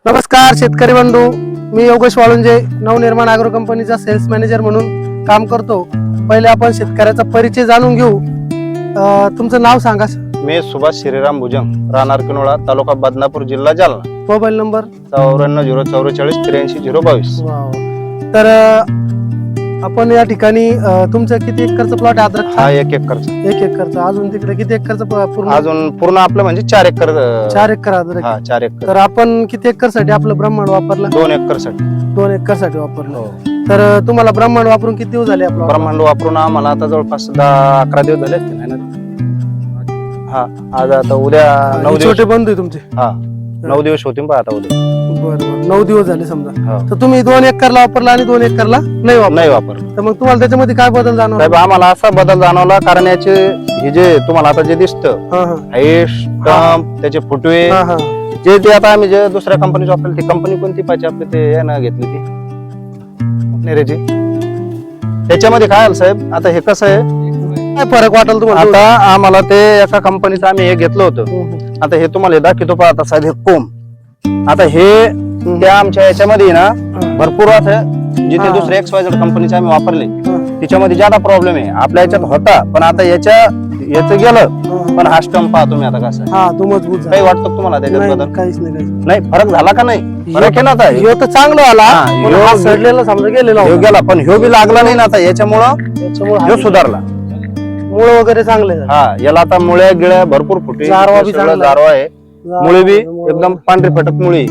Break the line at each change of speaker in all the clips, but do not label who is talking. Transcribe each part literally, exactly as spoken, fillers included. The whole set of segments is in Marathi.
नमस्कार शेतकरी बंधू, मी योगेश वाळुंजे नवनिर्माण ॲग्रो कंपनीचा सेल्स मॅनेजर म्हणून काम करतो। पहिले आपण शेतकऱ्याचा परिचय जाणून घेऊ। अ, तुमचं नाव सांगा।
मी सुभाष श्रीराम भुजंग, राहणार किनोळा, तालुका बदनापूर, जिल्हा जालना।
मोबाईल नंबर
चौऱ्याण्णव झिरो चौवेचाळीस त्र्याऐंशी झिरो बावीस।
तर अ, आपण या ठिकाणी अ, तुमचं किती एकरचं प्लॉट आहे अद्रक?
हा एक एकरचा।
एक एकरचं। अजून तिकडे किती एकरचं प- पूर्ण?
अजून पूर्ण आपलं म्हणजे चार एकर अं,
चार एकर अद्रक
हा
आहे।
चार एकर।
तर आपण किती एकर साठी आपलं ब्रह्मांड वापरलं?
दोन एकर साठी।
दोन एकर साठी वापरलं।
हो।
तर अ, तुम्हाला ब्रह्मांड वापरून किती दिवस झाले आपलं?
ब्रह्मांड वापरून आम्हाला आता जवळपास दहा अकरा दिवस झाले असतील है ना? हा आज आता उद्या नऊ दिवस।
छोटे बंधू आहे तुमचे?
हा नऊ दिवस होतील बा आता उद्या।
बरोबर, नऊ दिवस झाले समजा।
हो।
तर तुम्ही दोन एकरला वापरला आणि दोन एकरला नाही वापरला?
नाही वापर।
तर मग तुम्हाला त्याच्यामध्ये काय बदल जाणवला?
साहेब आम्हाला असा बदल जाणवला, कारण याचे हे जे तुम्हाला आता जे दिसतं
हा हा
हाईट, स्टंप, त्याचे फुटवे,
हा हा
जे ते आता आम्ही जे दुसऱ्या कंपनीची वापरली, ती कंपनी कोणती पाहिजे आपली ते यानं घेतली ती नेरेची। त्याच्यामध्ये काय आलं साहेब, आता हे कसं आहे,
काय फरक वाटेल तुम्हाला?
आता आम्हाला ते एका कंपनीचं आम्ही हे घेतलं होतं।
हम्म,
आता हे तुम्हाला हे दाखवतो पहा, आता साहेब हे कोंब, आता हे
हम्म.
त्या आमच्या याच्यामध्ये ना
हा.
भरपूर असं जिथे
हा.
दुसरे एक्स वाय झेड कंपनीचे आम्ही वापरले
हा,
त्याच्यामध्ये ज्यादा प्रॉब्लेम आहे, आपल्या याच्यात होता पण आता याच्या याचं गेलं।
हा.
पण हा स्टंप पहा तुम्ही आता कसं आहे,
हा तो मजबूत झाला.
काही वाटतं का तुम्हाला त्याच्यात
नाही,
बदल?
काहीच नाही काहीच नाही.
नाही फरक झाला का नाही? फरक आहे ना आता
ह्यो तर चांगलं आला,
हा,
पण
ह्यो-
हा सडलेला समजा गेलेला
ह्यो
होता.
गेला पण ह्यो बी लागला नाही ना आता याच्यामुळं
त्याच्यामुळे
ह्यो सुधारला।
मुळ वगैरे चांगले झाले.
हा याला आता मुळ्या गिळ्या भरपूर फुटे,
जारवा बी
सगळं
चांगला आहे.
जारवा आहे, मुळे बी
मुळं-
एकदम पांढरी फटक मुळी।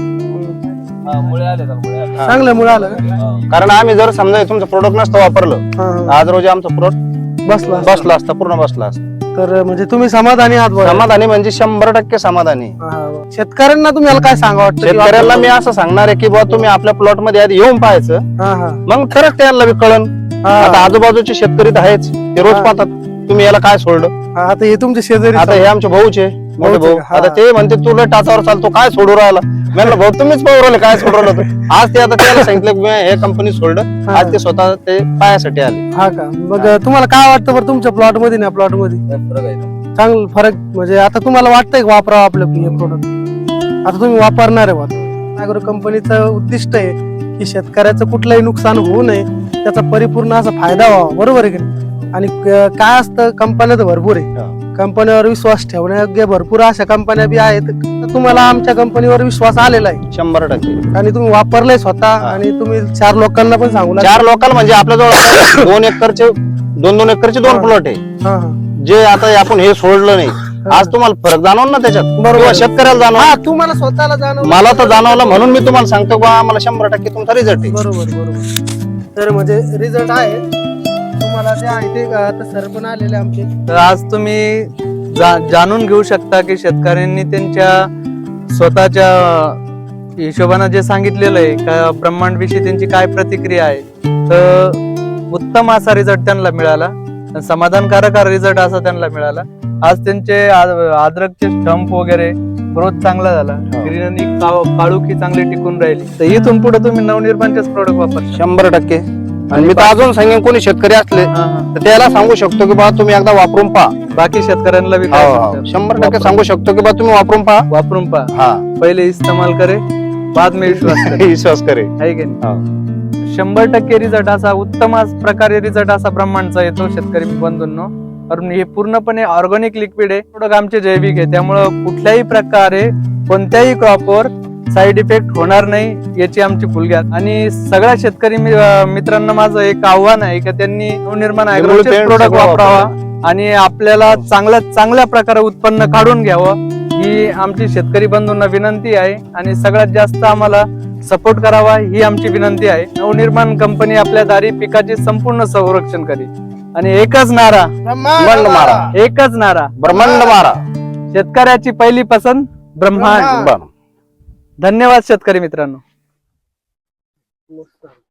चांगलं मुळ आलं का?
कारण आम्ही जर समजा तुमचं प्रोडक्ट नसतं वापरलं,
हा, हा.
आज रोजी आमचं प्रोडक्ट
बसला
बसला असता, पूर्ण बसला असता।
तर म्हणजे तुम्ही समाधानी आहात बुवा?
समाधानी म्हणजे शंभर टक्के समाधानी।
हा, हा. शेतकऱ्यांना तुम्ही याला काय सांगा वाटतं?
शेतकऱ्याला मी असं सांगणार आहे की बुवा तुम्ही आपल्या प्लॉट मध्ये आधी येऊन पाहायचं,
हा हा
मग खरंच त्यांना बी कळन।
हा.
आता आजूबाजूचे शेतकरी तर आहेच, ते रोज
हा.
पाहतात तुम्ही याला काय सोडलं।
हा, आता हे तुमचे शेजारी
आता हे आमचे भाऊचे मोठे
भाऊचे
भाऊ,
का? हा.
आता ते म्हणते तुला टाचावर चालतो काय सोडू राहिला, मी म्हणलं भाऊ तुम्हीच पाहू राहिले काय सोडू राहिलं होतं। आज ते आता त्याला सांगितलं की मी हे कंपनी सोडलं,
हा.
आज ते स्वतः ते पायासाठी आले।
हा का? मग तुम्हाला काय वाटतं बरं तुमच्या प्लॉट मध्ये ना प्लॉट मध्ये चांगलं फरक? म्हणजे आता तुम्हाला वाटतंय का वापरावं आपलं हे प्रोडक्ट? आता तुम्ही वापरणार आहे बा। ॲग्रो कंपनीचं उद्दिष्ट आहे की शेतकऱ्याचं कुठलंही नुकसान होऊ नये, त्याचा परिपूर्ण असा फायदा व्हावा, बरोबर आहे की नाही? आणि क- काय असतं, कंपन्या तर भरपूर आहे, कंपनीवर विश्वास ठेवण्यायोग्य भरपूर अशा कंपन्या बी आहेत। तर तुम्हाला आमच्या कंपनीवर विश्वास आलेला आहे
शंभर टक्के।
आणि तुम्ही वापरलंय स्वतः, आणि तुम्ही चार लोकांना पण सांगू लागले.
चार लोकल म्हणजे आपल्याजवळ दोन एकरचे दोन दोन एकरचे दोन
हा.
प्लॉट आहे,
हा हा
जे आता आपण हे सोडलं नाही, आज तुम्हाला फरक जाणवलं ना त्याच्यात,
बरोबर.
किंवा शेतकऱ्याला जाणवलं,
हा, तुम्हाला स्वतःला जाणवलं?
मला तर जाणवलं म्हणून मी तुम्हाला सांगतो बा आम्हाला शंभर टक्के तुमचा रिझल्ट आहे।
बरोबर बरोबर। तर म्हणजे रिझल्ट आहे तुम्हाला जे आहे ते आता सर पण आलेले आमचे।
तर आज तुम्ही जा, जाणून घेऊ शकता की शेतकऱ्यांनी त्यांच्या स्वतःच्या हिशोबाने जे सांगितलेलं आहे का ब्रह्मांड विषयी त्यांची काय प्रतिक्रिया आहे, तर उत्तम असा रिझल्ट त्यांना मिळाला, समाधानकारक रिझल्ट असा त्यांना मिळाला। आज त्यांचे आ- अद्रकचे स्टंप वगैरे ग्रोथ चांगला झाला, ग्रीनरी काळुखी चांगली टिकून राहिली। तर इथून पुढे तुम्ही नवनिर्माणचेच प्रोडक्ट वापर।
शंभर टक्के। आणि मी तर अजून सांगेन कोणी शेतकरी असले तर त्याला सांगू शकतो की बा तुम्ही एकदा वापरून पहा।
बाकी शेतकऱ्यांना बी
हो,
काय
हो.
सांगतो?
शंभर टक्के
वापर-
सांगू शकतो की बा तुम्ही वापरून पहा।
वापरून पहा,
हा
पहिले इस्तेमाल करे बाद में विश्वास करे,
विश्वास करे।
आहे की नाही? शंभर टक्के रिझल्ट असा उत्तम अस- प्रकारे रिझल्ट असा ब्रह्मांडचा येतो शेतकरी बंधूंनो। कारण हे पूर्णपणे ऑर्गॅनिक लिक्विड आहे, प्रोडक्ट आमचे जैविक आहे, त्यामुळं कुठल्याही प्रकारे कोणत्याही क्रॉपवर साईड इफेक्ट होणार नाही याची आमची फुलग्यात। आणि सगळ्या शेतकरी मि- अं, मित्रांना माझं एक आव्हान आहे की त्यांनी नवनिर्माण ॲग्रोचे
पेंट
प्रोडक्ट
सगळं
वापरावा आणि आपल्याला चांगल्या चांगल्या प्रकारे उत्पन्न काढून घ्यावं, ही आमची शेतकरी बंधूंना विनंती आहे। आणि सगळ्यात जास्त आम्हाला सपोर्ट करावा ही आमची विनंती आहे। नवनिर्माण कंपनी आपल्या दारी पिकाचे संपूर्ण संरक्षण करेल। आणि एकच नारा,
ब्रह्मांड मारा,
एकच नारा,
ब्रह्मांड मारा।
शेतकऱ्याची पहिली पसंत ब्रह्मांड।
बरं.
धन्यवाद शेतकरी मित्रांनो।